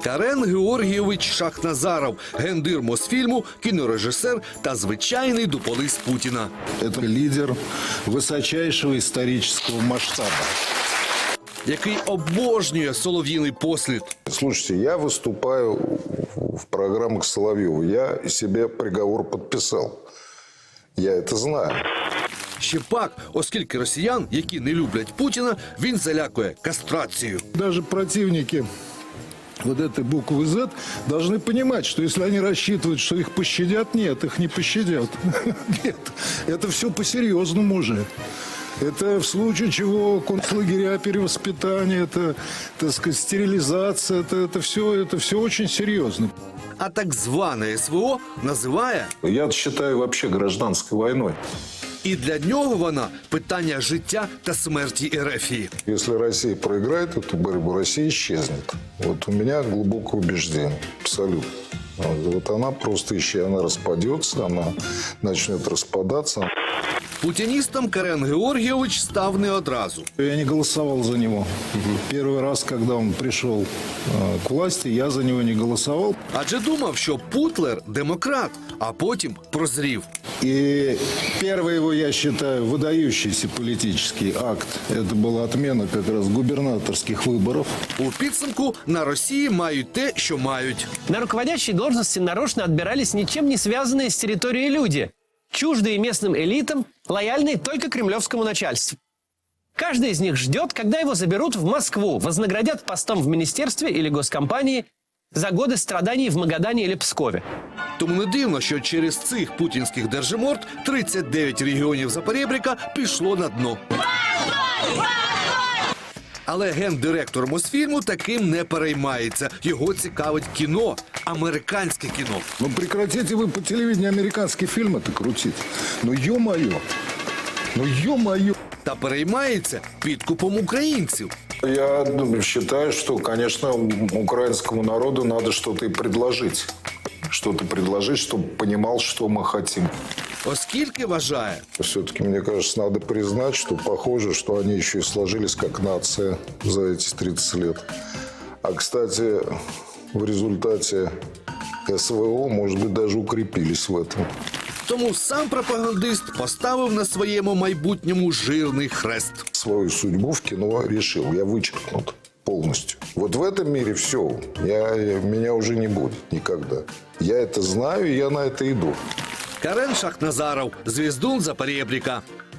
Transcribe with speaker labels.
Speaker 1: Карен Георгійович Шахназаров, гендир Мосфільму, кінорежисер та звичайний дуполис Путіна.
Speaker 2: Это лидер высочайшего исторического масштаба.
Speaker 1: Який обожнює солов'їний послід.
Speaker 3: Слушайте, я выступаю в программах Соловьева. Я себе приговор подписал. Я это знаю.
Speaker 1: Ще пак, оскільки росіян, які не люблять Путіна, він залякує кастрацією.
Speaker 2: Даже противники вот этой буквы «З» должны понимать, что если они рассчитывают, что их пощадят, нет, их не пощадят. Нет, это все по-серьезному уже. Это в случае чего концлагеря перевоспитания, это, так сказать, стерилизация, это все очень серьезно.
Speaker 1: А так зване СВО називає,
Speaker 3: Я считаю вообще гражданской войной.
Speaker 1: і для нього вона питання життя та смерті Ерефії.
Speaker 3: Если Россия проиграет эту борьбу, Россия исчезнет. Вот у меня глубокое убеждение. Абсолютно. Вот она просто исчезнет, она распадется, она начнет распадаться.
Speaker 1: Путіністом Карен Георгійович став не одразу.
Speaker 2: Я не голосовал за него. Первый раз, когда он пришел к власти, я за него не голосовал.
Speaker 1: Адже думав, що Путлер – демократ, а потім прозрів.
Speaker 2: И первый его, я считаю, выдающийся политический акт, это была отмена как раз губернаторских выборов.
Speaker 1: У підсумку на Росії мають те, що мають.
Speaker 4: На руководящие должности нарочно отбирались ничем не связанные с территорией люди, чуждые местным элитам, лояльные только кремлевскому начальству. Каждый из них ждет, когда его заберут в Москву, вознаградят постом в министерстве или госкомпании за годы страданий в Магадане или Пскове.
Speaker 1: Тому не дивно, що через цих путінських держиморд 39 регіонів Запорєбріка пішло на дно. Але гендиректор Мосфільму таким не переймається. Його цікавить кіно, американське кіно.
Speaker 2: Ну прекратите вы по телевидению американские фильмы-то крутить. Ну ё-моё. Ну ё-моё.
Speaker 1: Та переймається підкупом українців.
Speaker 3: Я считаю, что, конечно, украинскому народу надо что-то и предложить. Что-то предложить, чтобы понимал, что мы хотим.
Speaker 1: Оскільки вважає,
Speaker 3: Все-таки, мне кажется, надо признать, что похоже, что они еще и сложились как нация за эти 30 лет. А, кстати, в результате СВО, может быть, даже укрепились в этом.
Speaker 1: тому сам пропагандист поставив на своєму майбутньому жирний хрест.
Speaker 3: Свою судьбу в кино решил. Я вычеркнут полностью. Вот в этом мире все. Меня уже не будет никогда. Я это знаю, и я на это иду.
Speaker 1: Карен Шахназаров, звіздун Запорєбріка.